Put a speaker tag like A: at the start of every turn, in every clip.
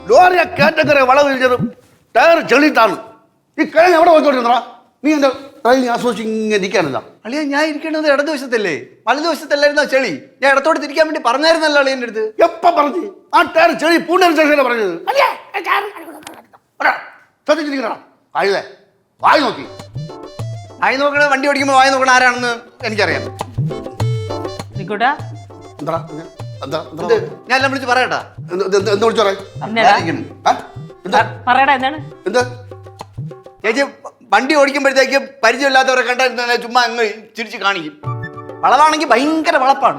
A: ലോറിയെ കേറ്റക്കരെ വളവ് തിരിച്ചതും ടയർ ചെളിയിട്ടാണ്. ഈ കിഴങ്ങ് എവിടെ പോയിക്കൊണ്ടിരുന്നടാ? നീ എന്റെ ട്രെയിൻ ആസ്വദിച്ച് ഇങ്ങനെ ഇരിക്കാനില്ല.
B: അളിയാ ഞാൻ ഇരിക്കേണ്ടത് ഇടതുവശത്തല്ലേ, വലതുവശത്തല്ലായിരുന്നോ ചെളി? ഞാൻ ഇടത്തോട്ട് തിരിക്കാൻ വേണ്ടി പറഞ്ഞായിരുന്നല്ലോ അളിയൻ്റെ അടുത്ത്.
A: എപ്പ പറഞ്ഞു? ആ ടയർ ചെളി പൂണ്ടൊരു ശേഷം പറഞ്ഞത്. ശ്രദ്ധിച്ചിരിക്കണ കഴുതേ വായി നോക്കി.
B: വായി നോക്കണ വണ്ടി ഓടിക്കുമ്പോൾ വായി നോക്കണ ആരാണെന്ന് എനിക്കറിയാം.
A: എന്താ
B: ഞാൻ എല്ലാം വിളിച്ച് പറയട്ടാ.
A: എന്ത് വിളിച്ചു എന്താ
B: ചേച്ചി വണ്ടി ഓടിക്കുമ്പോഴത്തേക്ക് പരിചയമില്ലാത്തവരെ കണ്ടാൽ ചുമ്മാ അങ്ങ് ചിരിച്ച് കാണിക്കും. വളവാണെങ്കിൽ ഭയങ്കര വളപ്പാണ്.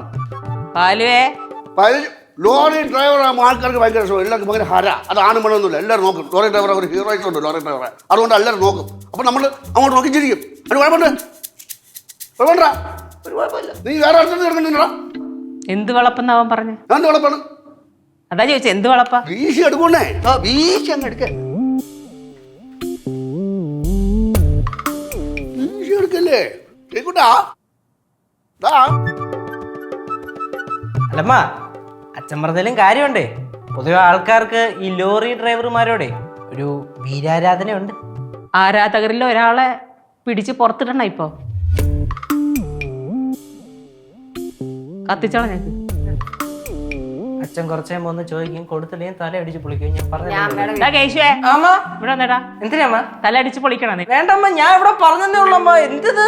A: ലോറി ഡ്രൈവർ ആൾക്കാർക്ക് ഭയങ്കര ഇഷ്ടം. എല്ലാവർക്കും ഭയങ്കര ഹര. അത് ആണും പെണ്ണൊന്നുമില്ല, എല്ലാവരും നോക്കും. ലോറി ഡ്രൈവർ ഒരു ഹീറോയിസ് ഉണ്ട് ലോറി ഡ്രൈവറെ. അതുകൊണ്ട് എല്ലാവരും നോക്കും. അപ്പൊ നമ്മൾ അങ്ങോട്ട് നോക്കി ചിരിക്കും. അത് കുഴപ്പമുണ്ട്, കുഴപ്പമില്ല, ഒരു കുഴപ്പമില്ല. നീ വേറെ അടുത്ത് കിടക്കുന്നില്ലടാ.
C: എന്ത് വളപ്പെന്നാവൻ പറഞ്ഞു?
A: എന്ത് വളപ്പാണ്?
C: അതാ ചോദിച്ചത്, എന്ത് വളപ്പാ?
A: വീശി എടുക്കണേ.
B: വീശി അങ്ങ് എടുക്ക.
A: വീശി എടുക്കല്ലേ കേക്കൂട്ടാ.
D: അല്ലമ്മ, അച്ഛൻ പറഞ്ഞാലും കാര്യമുണ്ടേ. പൊതുവെ ആൾക്കാർക്ക് ഈ ലോറി ഡ്രൈവർമാരോടെ ഒരു വീരാരാധനയുണ്ട്.
C: ആരാധകരിൽ ഒരാളെ പിടിച്ച് പുറത്തിടണ ഇപ്പൊ കത്തിച്ചാള ഞങ്ങൾക്ക്.
D: അച്ഛൻ കുറച്ചേ ഒന്ന് ചോദിക്കും, കൊടുത്തില്ലെങ്കിൽ തല അടിച്ച് പൊളിക്കും. ഞാൻ പറഞ്ഞു
C: ഇവിടെ വന്നേടാ.
D: എന്തിനാ
C: തല അടിച്ച് പൊളിക്കണം നീ.
D: വേണ്ടമ്മ, ഞാൻ ഇവിടെ പറഞ്ഞതേ ഉള്ളമ്മ. എന്തത്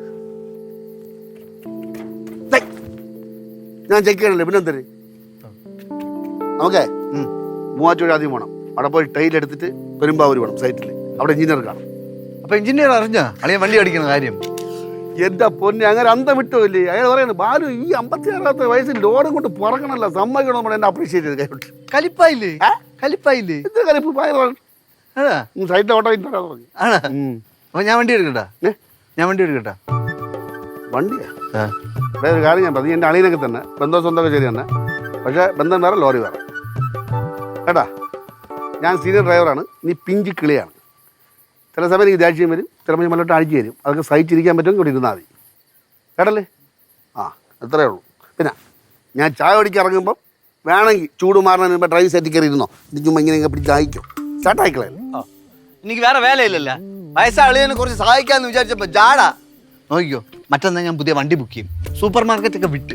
A: ഞാൻ ചെക്ക് ചെയ്യണല്ലേ, പിന്നെ എന്തേ നമുക്കേ മൂവാറ്റുപുഴ ആദ്യം പോകണം. അവിടെ പോയി ടൈൽ എടുത്തിട്ട് പെരുമ്പാവൂർ വേണം സൈറ്റിൽ. അവിടെ എഞ്ചിനീയർ കാണും.
B: അപ്പൊ എഞ്ചിനീയർ അറിഞ്ഞാ അളിയ വണ്ടി അടിക്കുന്ന കാര്യം?
A: എന്റെ പൊന്നെ, അങ്ങനെ അന്തം വിട്ടില്ലേ? അയാൾ പറയുന്നത് ബാലു ഈ 56 വയസ്സിൽ ലോഡും കൊണ്ട് പുറക്കണല്ലോ, സമ്മതിക്കണം. നമ്മൾ എന്നെ അപ്രീഷിയേറ്റ് ചെയ്ത് കൈവിട്ട്.
B: കലിപ്പായില്ലേ? കലിപ്പായില്ലേ?
A: എന്ത് കലിപ്പ്? സൈറ്റിൽ ഓട്ടോ പറഞ്ഞു.
B: ആണ്. അപ്പൊ ഞാൻ വണ്ടി എടുക്കട്ടാ? ഞാൻ വണ്ടി എടുക്കട്ടാ?
A: വണ്ടിയാ? ഒരു കാര്യം ഞാൻ പറഞ്ഞു, എൻ്റെ അളിയനൊക്കെ തന്നെ ബന്ധം സ്വന്തമൊക്കെ ശരി തന്നെ. പക്ഷേ ബന്ധം വേറെ, ലോറി വേറെ കേട്ടാ. ഞാൻ സീനിയർ ഡ്രൈവറാണ്, നീ പിഞ്ചി കിളിയാണ്. ചില സമയം എനിക്ക് ദേഷ്യം വരും, ചിലപ്പോൾ ഞാൻ മല്ലോട്ട് അഴിച്ചു തരും. അതൊക്കെ സഹിച്ചിരിക്കാൻ പറ്റുമെങ്കിൽ ഇവിടെ ഇരുന്നാൽ മതി കേട്ടല്ലേ? ആ, അത്രയേ ഉള്ളൂ. പിന്നെ ഞാൻ ചായ കുടിക്കാൻ ഇറങ്ങുമ്പം വേണമെങ്കിൽ ചൂട് മാറുന്നതിന് മുമ്പ് ഡ്രൈവ് സെറ്റിൽ കയറി ഇരുന്നോ. ഇത് ചുമ്മാ ഇങ്ങനെ പിടിച്ച് അയക്കും. സ്റ്റാർട്ടായിക്കളെ.
B: എനിക്ക് വേറെ വേലയില്ലല്ലോ. വയസ്സായ അളിയനെ കുറച്ച് സഹായിക്കാന്ന് വിചാരിച്ചപ്പോ ജാടാ. നോക്കിക്കോ, മറ്റന്നാ ഞാൻ പുതിയ വണ്ടി ബുക്ക് ചെയ്യും. സൂപ്പർ മാർക്കറ്റ് ഒക്കെ വിട്ട്.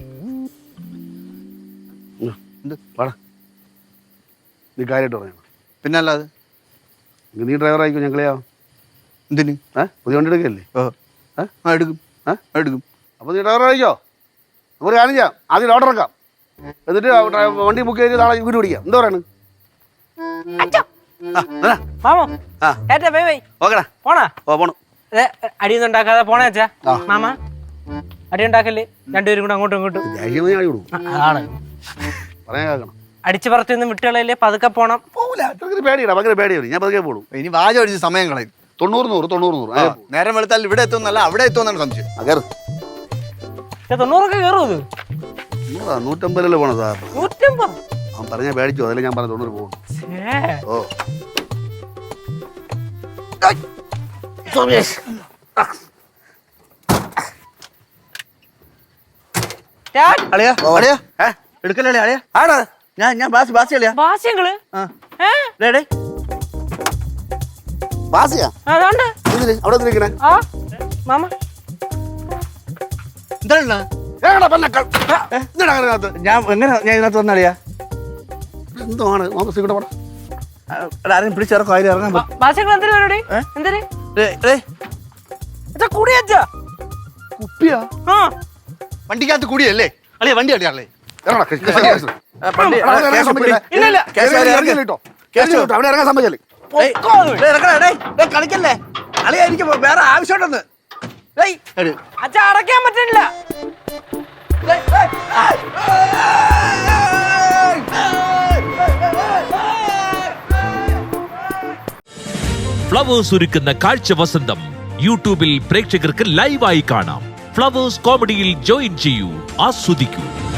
A: വാടാ, നീ കാര്യമായിട്ട് പറയണം.
B: പിന്നെ അല്ലാതെ
A: നീ ഡ്രൈവർ ആയിക്കോ, ഞങ്ങളെയാ.
B: എന്തിന്?
A: പുതിയ വണ്ടി എടുക്കല്ലേ?
B: എടുക്കും, എടുക്കും.
A: അപ്പോൾ നീ ഡ്രൈവർ ആയിക്കോ. നമുക്ക് കാര്യം ചെയ്യാം, ആദ്യം ഓർഡർ ഇറക്കാം. എന്നിട്ട് വണ്ടി ബുക്ക് ചെയ്ത് നാളെ വീട് പിടിക്കാം. എന്താ പറയണ്? പോണു.
D: അടിയൊന്നും ഉണ്ടാക്കാതെ പോണേ അച്ഛാ. മാമ അടി ഉണ്ടാക്കല്ലേ, രണ്ടുപേരും കൂടെ അങ്ങോട്ടും ഇങ്ങോട്ടും.
A: അതാണ് പറയാൻ കേൾക്കണം.
D: അടിച്ചു പറത്തൊന്നും വിട്ടുകളല്ലേ, പതുക്കെ പോണം.
A: പോകില്ല, പേടിയാണ്, ഭയങ്കര പേടിയാണ്. ഞാൻ പതുക്കെ പോകും.
B: ഇനി വാജ് അടിച്ച് സമയം കളയും.
A: 90-100
B: നേരം വെളുത്താൽ ഇവിടെ എത്തുന്നല്ല അവിടെ എത്തുമെന്നാണ് സംശയം.
D: 90 കയറും.
A: 150 പോണം സാർ.
D: 150
A: അവൻ പറഞ്ഞാൽ പേടിച്ചു, അതല്ലേ ഞാൻ പറഞ്ഞ 90 പോകും. ഓ
B: എടുക്കല്ലേ അളിയാ? ആടാ, ഞാൻ ബാസി അളിയാ.
D: ബാസ്യങ്ങള്
A: ബാസിയാ അവിടെ നിൽക്കണേ.
D: മാമ
B: ഞാൻ എങ്ങനെ ഞാൻ ഇതിനകത്ത് വന്നളിയാ?
A: എന്താണ്
B: ആരെയും പിടിച്ചിറക്കോ? അതിൽ ഇറങ്ങാൻ
D: ബാസ്യങ്ങൾ എന്തിനു പരിപാടി? എന്തിന് കൂടിയാ?
A: കുപ്പിയാ?
B: വണ്ടിക്കകത്ത് കൂടിയല്ലേ അളിയാ? വണ്ടി അളിയാളേ
A: അവിടെ ഇറങ്ങാൻ സമ്മതിച്ചല്ലേ?
B: കളിക്കല്ലേ അളിയാ, എനിക്ക് വേറെ ആവശ്യമുണ്ടെന്ന്.
D: അച്ഛാ, അടയ്ക്കാൻ പറ്റില്ല.
E: ഫ്ലവേഴ്സ് ഒരുക്കുന്ന കാഴ്ച വസന്തം യൂട്യൂബിൽ പ്രേക്ഷകർക്ക് ലൈവായി കാണാം. ഫ്ലവേഴ്സ് കോമഡിയിൽ ജോയിൻ ചെയ്യൂ, ആസ്വദിക്കൂ.